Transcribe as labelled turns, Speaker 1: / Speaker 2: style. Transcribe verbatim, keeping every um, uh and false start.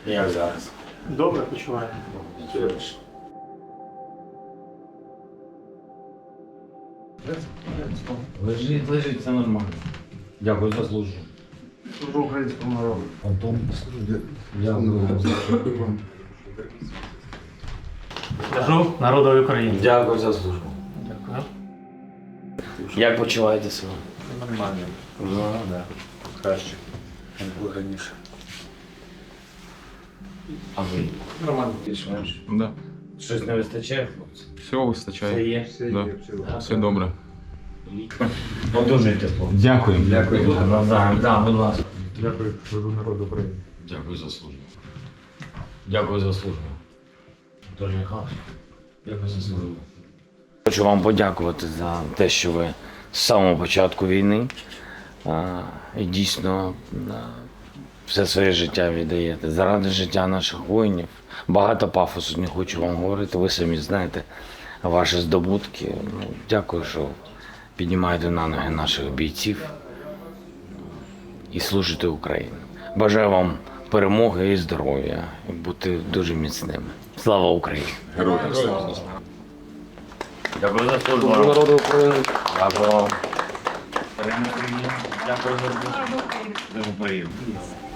Speaker 1: Як зараз?
Speaker 2: Добре почуваю.
Speaker 1: Лежить, лежить, все нормально. Дякую за службу.
Speaker 3: Служу українському народу.
Speaker 1: Антон, дякую вам за службу.
Speaker 2: Служу народові України.
Speaker 1: Дякую за службу.
Speaker 2: Дякую.
Speaker 1: Як почуваєте себе?
Speaker 2: Нормально.
Speaker 1: Ну,
Speaker 2: Да. Краще, ніж було раніше.
Speaker 1: А ви?
Speaker 2: Нормально.
Speaker 1: Більш-менш.
Speaker 4: Да.
Speaker 1: Щось не вистачає, хлопці?
Speaker 4: Всього вистачає.
Speaker 1: Це є?
Speaker 4: Да. Все добре.
Speaker 1: Одужуйте, хлопці.
Speaker 4: Дякую.
Speaker 1: Дякую. Навзаєм. Да, будь ласка.
Speaker 3: Дякую, служу народу України.
Speaker 1: Дякую за службу. Дякую за службу. Дуже Михайлович. Дякую за службу. Хочу вам подякувати за те, що ви з самого початку війни а, і дійсно а, все своє життя віддаєте. Заради життя наших воїнів. Багато пафосу не хочу вам говорити. Ви самі знаєте ваші здобутки. Ну, дякую, що піднімаєте на ноги наших бійців і служите Україні. Бажаю вам перемоги і здоров'я, і бути дуже міцними. Слава Україні!
Speaker 4: Героям слава.
Speaker 1: Дякую за службу.
Speaker 4: Народу України.
Speaker 1: Дякую. Дякую за службу. Дуже приємно.